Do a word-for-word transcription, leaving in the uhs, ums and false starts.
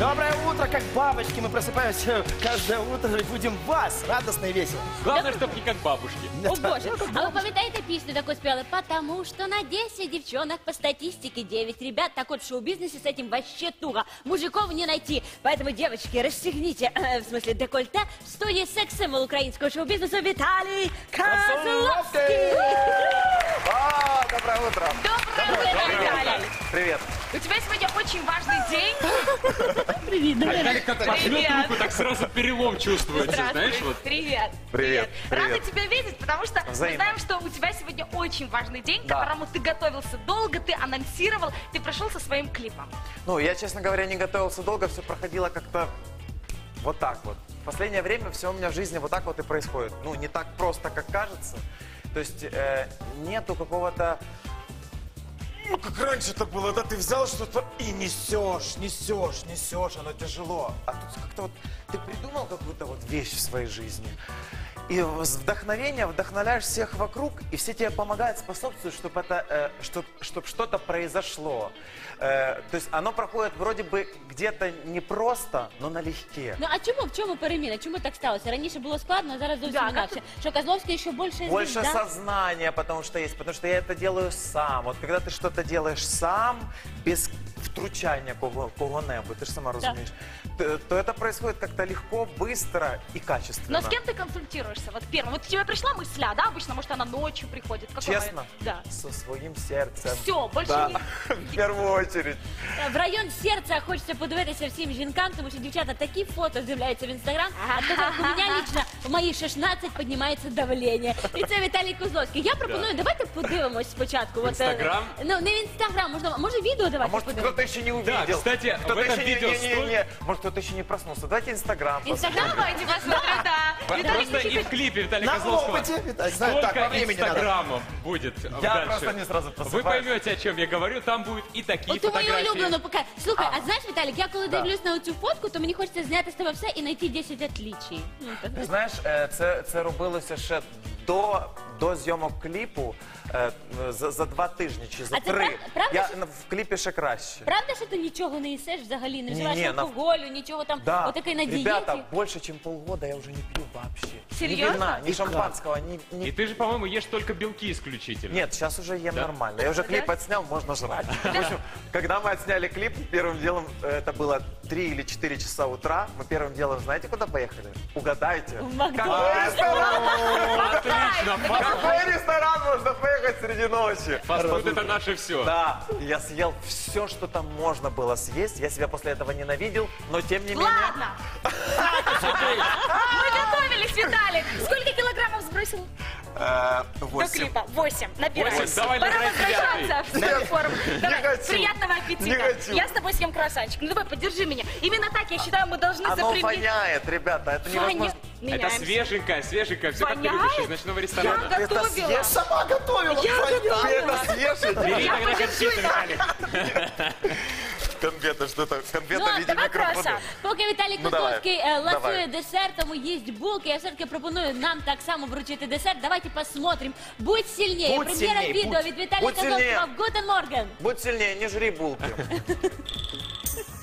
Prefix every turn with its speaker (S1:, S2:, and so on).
S1: Доброе утро, как бабочки. Мы просыпаемся каждое утро и будем вас радостно и весело.
S2: Главное, чтобы не как бабушки.
S3: О боже, а вы пам'ятаєте пісню таку спела? Потому что на десять девчонок по статистике девять ребят. Так вот, в шоу-бизнесе с этим вообще туго. Мужиков не найти. Поэтому, девочки, расстегните, э, в смысле, декольте. В студии секс-символ украинского шоу-бизнеса Виталий Козловский.
S4: А, доброе утро.
S5: Доброе утро, Виталий.
S4: Привет.
S5: У тебя сегодня очень важный день.
S3: Привет,
S2: Виталик как пожмет руку, так сразу перелом чувствуется, знаешь, вот.
S5: Привет.
S4: Привет.
S5: Рада
S4: Привет.
S5: тебя видеть, потому что мы
S4: Взаимно.
S5: знаем, что у тебя сегодня очень важный день, к
S4: Да.
S5: которому ты готовился долго, ты анонсировал, ты пришел со своим клипом.
S4: Ну, я, честно говоря, не готовился долго, все проходило как-то вот так вот. В последнее время все у меня в жизни вот так вот и происходит. Ну, не так просто, как кажется. То есть э, нету какого-то... Ну, как раньше это было, да, ты взял что-то и несешь, несешь, несешь, оно тяжело. А тут как-то вот ты придумал какую-то вот вещь в своей жизни. И с вдохновения вдохновляешь всех вокруг, и все тебе помогают, способствуют, чтобы это, э, чтоб, чтоб что-то произошло. Э, то есть оно проходит вроде бы где-то непросто, но налегке.
S3: Ну а чому, в чому переміна? Чому так сталося? Раніше було складно, а зараз зовсім
S5: Да,
S3: інакше. Що Козловський ще більше
S4: Больше
S3: звізда?
S4: сознания, потому что есть, потому что я это делаю сам. Вот когда ты что-то делаешь сам, без втручания кого- кого-небудь, ты же сама разумеешь, то, то это происходит как-то легко, быстро и качественно.
S5: Но с кем ты консультируешься? Вот первым. Вот к тебе пришла мысля, да? Обычно, может, она ночью приходит. В какой
S4: Честно?
S5: момент? Да.
S4: Со своим сердцем.
S5: Все, больше
S4: Да,
S5: не...
S4: в первую очередь.
S3: В район серця хочеться подивитися всім жінкам, тому що дівчата такі фото з'являються в інстаграм. А то як у мене лично в мої шістнадцять піднімається давлення. І це Віталій Козловський. Я пропоную, давайте подивимось спочатку. От, е,
S2: Інстаграм?
S3: Ну, не в інстаграм, можна, може відео
S4: А
S3: давайте
S4: может,
S3: подивимось.
S4: кто-то еще не увидел?
S2: Да, кстати, в
S4: кто-то
S2: этом
S4: еще не-
S2: видео
S4: не, не,
S2: стоит-
S4: не. Может, кто-то еще не проснулся. Давайте Инстаграм.
S3: Інстаграм?
S5: Давайте посмотрим, да. Виталий,
S2: Просто и в клипе Виталия
S1: На
S2: Козловского
S1: опыте, Виталий, знаю, так,
S2: сколько
S1: по времени надо.
S2: инстаграмов будет
S4: Я
S2: дальше.
S4: просто не сразу
S2: Вы
S4: просыпаюсь.
S2: поймете, о чем я говорю, там будут и такие
S3: От мою
S2: фотографии.
S3: улюблену пока. Слухай,
S4: А.
S3: а знаєш, Віталік, я коли
S4: Да.
S3: дивлюсь на цю фотку, то мені хочеться зняти з тебе все і знайти десять отличий. Ну, так.
S4: Ти знаєш, е, це, це робилося ще до, до зйомок кліпу е, за, за два тижні чи за
S3: А це
S4: три.
S3: прав- правда,
S4: Я
S3: що-
S4: на- в кліпі ще краще.
S3: Правда, що ти нічого не їсиш взагалі, не вживаєш
S4: Ні-ні, на-
S3: алкоголю, нічого там,
S4: Да,
S3: отакий на дієті?
S4: ребята, больше, чем полгода я уже не пью вообще.
S5: Серьезно?
S4: Ни вина, ни
S1: И
S4: шампанского, ни, ни-
S2: И ты же, по-моему, ешь только белки исключительно.
S4: Нет, сейчас уже ем
S2: Да?
S4: нормально. Я уже клип отснял, можно жрать. В общем, когда мы отсняли клип, первым делом, э, это было три или четыре часа утра, мы первым делом, знаете, куда поехали? Угадайте.
S3: В Макдональдс.
S4: Какой ресторан?
S2: Отлично,
S4: Какой ресторан можно поехать среди ночи?
S2: фастфуд это наше все.
S4: Да, я съел все, что там можно было съесть. Я себя после этого ненавидел, но тем не менее...
S5: Ладно. Мы готовились, Виталик. Сколько килограммов сбросил
S4: э,
S5: до
S4: восемь.
S5: клипа? Восемь. Набираем.
S2: Восемь. Давай
S5: Пора
S2: набирай
S5: возвращаться в свою форму. Давай,
S4: хочу.
S5: приятного
S4: Не
S5: аппетита.
S4: хочу.
S5: Я с тобой съем круассанчик. Ну давай, подержи меня. Именно так, я считаю, мы должны
S4: Оно
S5: заприметить.
S4: воняет, ребята, это невозможно.
S2: Это
S5: Меняемся.
S2: свеженькое, свеженькое. Все как ты
S5: Воняет?
S2: любишь из ночного
S5: Я
S2: ресторана.
S4: Это
S5: готовила.
S4: съешь?
S1: Сама готовила.
S5: Я
S1: понятно.
S4: Ты это съешь?
S2: Бери
S5: Я
S2: тогда
S5: подержу,
S2: конфеты, Виталик.
S4: Конфеты, что-то, конфеты
S3: Ну,
S4: в виде
S5: давай
S4: микрофона.
S5: круассан.
S3: Поки Віталій
S4: Ну, давай.
S3: Козловський е, ласує
S4: Давай.
S3: десертом і їсть булки, я все-таки пропоную нам так само вручити десерт. Давайте посмотрим. Будь сильнее.
S4: Будь
S3: Прем'єра
S4: сильнее,
S3: відео
S4: будь-
S3: від Віталія
S4: будь сильнее.
S3: Козловського. Гутен Морген.
S4: Будь сильнее, не жри булки.